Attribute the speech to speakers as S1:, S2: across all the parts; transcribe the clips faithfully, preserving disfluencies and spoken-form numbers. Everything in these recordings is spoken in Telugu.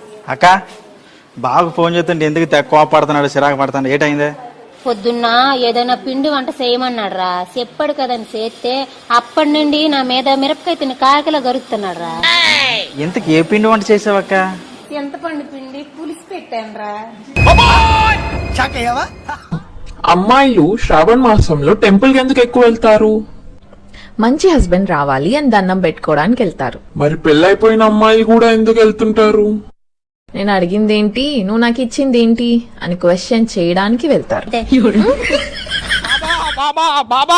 S1: అక్క బాగా ఫోన్ చేస్తుంటే ఎందుకు కోపడుతున్నాడు, చిరాకు పడుతున్నాడు, ఏటైందే?
S2: పొద్దున్న ఏదైనా పిండి వంట చేయమన్నాడు రా, చెప్పాడు కదని చేస్తే అప్పటి నుండి నా మీద మిరపకాయ తిని కాయకలా గరుకుతున్నాడు రా.
S1: ఇంతకు ఏ పిండి వంట చేసావక్క?
S2: ఎంత పండు పిండి పులిసి పెట్టాను రా.
S3: అమ్మాయిలు శ్రావణ మాసంలో టెంపుల్ కి ఎందుకు ఎక్కువ వెళ్తారు?
S4: మంచి హస్బెండ్ రావాలి అని దండం పెట్టుకోవడానికి వెళ్తారు.
S3: మరి పెళ్ళైపోయిన అమ్మాయిలు కూడా ఎందుకు వెళ్తుంటారు?
S4: నేను అడిగింది ఏంటి, నువ్వు నాకు ఇచ్చింది ఏంటి అని క్వశ్చన్ చేయడానికి వెళ్తారు.
S5: బాబా బాబా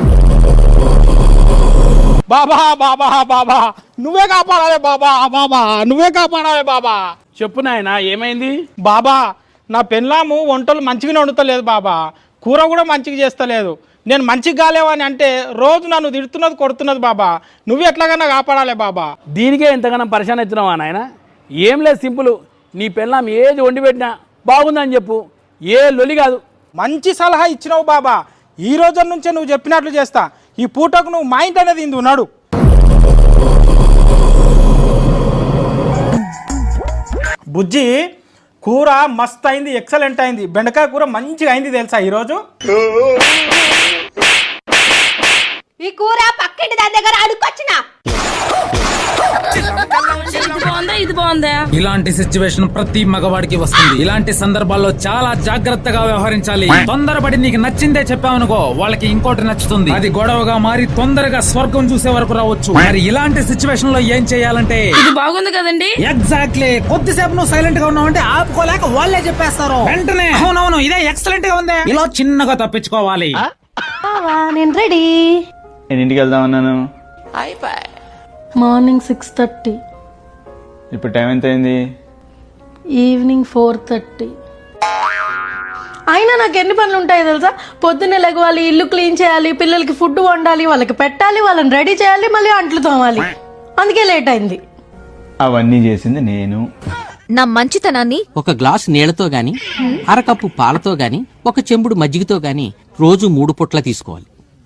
S5: బాబా బాబా బాబా నువ్వే కాపాడాలి బాబా, బాబా నువ్వే కాపాడాలి బాబా. చెప్పు నాయనా ఏమైంది? బాబా నా పెళ్ళాము వంటలు మంచిగానే వండుతలేదు బాబా, కూర కూడా మంచిగా చేస్తలేదు. నేను మంచిగా కాలేవని అంటే రోజు నన్ను తిడుతున్నది, కొడుతున్నది బాబా. నువ్వు ఎట్లాగన్నా కాపాడాలి బాబా. దీనికే ఎంతగానో పరిశాన్ అవుతున్నావా నాయన? ఏం లేదు, సింపుల్. నీ పెళ్ళాం ఏది వండి పెట్టినా బాగుందని చెప్పు, ఏ లొలి కాదు. మంచి సలహా ఇచ్చినావు బాబా, ఈ రోజు నుంచే నువ్వు చెప్పినట్లు చేస్తా. ఈ పూటకు నువ్వు మా ఇంటి అనేది ఇందు ఉన్నాడు. బుజ్జి కూర మస్త్ అయింది, ఎక్సలెంట్ అయింది. బెండకాయ కూర మంచిగా అయింది తెలుసా ఈరోజు.
S2: ఈ కూర పక్కింటి దాని దగ్గర అడుక్కొచ్చిన.
S6: ఇలాంటి సిచ్యువేషన్ ప్రతి మగవాడికి వస్తుంది. ఇలాంటి సందర్భాల్లో చాలా జాగ్రత్తగా వ్యవహరించాలి. తొందరపడి నీకు నచ్చిందే చెప్పావనుకో, వాళ్ళకి ఇంకోటి నచ్చుతుంది, అది గొడవగా మారి తొందరగా స్వర్గం చూసే వరకు రావచ్చు. మరి ఇలాంటి సిచ్యువేషన్ లో ఏం చేయాలంటే,
S7: ఇది బాగుంది కదండి,
S6: ఎగ్జాక్ట్లీ కొద్దిసేపు నువ్వు సైలెంట్ గా ఉన్నావంటే ఆపుకోలేక వాళ్ళే చెప్పేస్తారు వెంటనే. అవునవును, ఇదే ఎక్సలెంట్ గా ఉంది. ఇలా చిన్నగా తప్పించుకోవాలి.
S2: నేను రెడీ.
S1: నేను ఇంటికి వెళ్దాం అన్నాను.
S8: మార్నింగ్ సిక్స్ థర్టీ,
S1: ఇప్పుడు టైం ఎంత అయింది?
S8: Evening four thirty. అయినా నాకు ఎన్ని పనులు ఉంటాయో తెలుసా? పొద్దున్నే లెగవాలి, ఇల్లు క్లీన్ చేయాలి, పిల్లలకి ఫుడ్ వండాలి, వాళ్ళకి పెట్టాలి, వాళ్ళని రెడీ చేయాలి, మళ్ళీ అంట్లు తోమాలి. అందుకే లేట్ అయింది.
S1: అవన్నీ చేసింది నేను.
S9: నా మంచితనాన్ని
S10: ఒక గ్లాస్ నీళ్లతో గాని, అరకప్పు పాలతో గాని, ఒక చెంబుడు మజ్జిగతో గాని రోజు మూడు పుట్ల తీసుకోవాలి.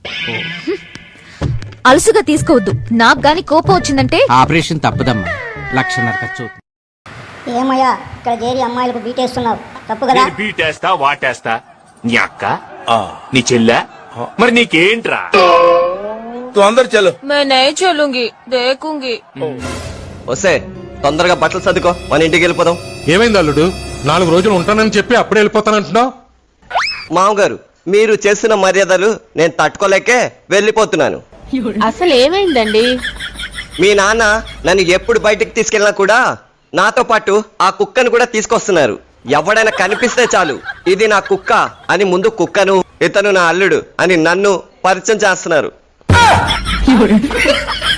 S9: అలసుగా తీసుకోవద్దు. నాకు గాని కోపం వచ్చిందంటే
S10: ఆపరేషన్ తప్పదమ్మా, లక్షన్నర ఖర్చు అవుతుంది.
S11: ఏమయ్యా ఇక్కడ చేరి అమ్మాయిలకు బీటేస్తున్నావు, తప్పు కదా?
S12: బీటేస్తా వాటేస్తా నీ అక్క నీ చెల్లె, మరి నీకేంట్రా?
S7: అందరు చలో చలుంగి దేకుంగి.
S13: వస్తే తొందరగా బట్టలు సర్దుకో, మన ఇంటికి వెళ్ళిపోదాం.
S14: ఏమైంది అల్లుడు, నాలుగు రోజులు ఉంటానని చెప్పి అప్పుడే వెళ్ళిపోతానంటున్నావు?
S13: మామగారు, మీరు చేసిన మర్యాదలు నేను తట్టుకోలేకే వెళ్ళిపోతున్నాను.
S8: అసలు ఏమైందండి?
S13: మీ నాన్న నన్ను ఎప్పుడు బయటికి తీసుకెళ్ళినా కూడా నాతో పాటు ఆ కుక్కను కూడా తీసుకొస్తున్నారు. ఎవడైనా కనిపిస్తే చాలు, ఇది నా కుక్క అని ముందు కుక్కను, ఇతను నా అల్లుడు అని నన్ను పరిచయం చేస్తున్నారు.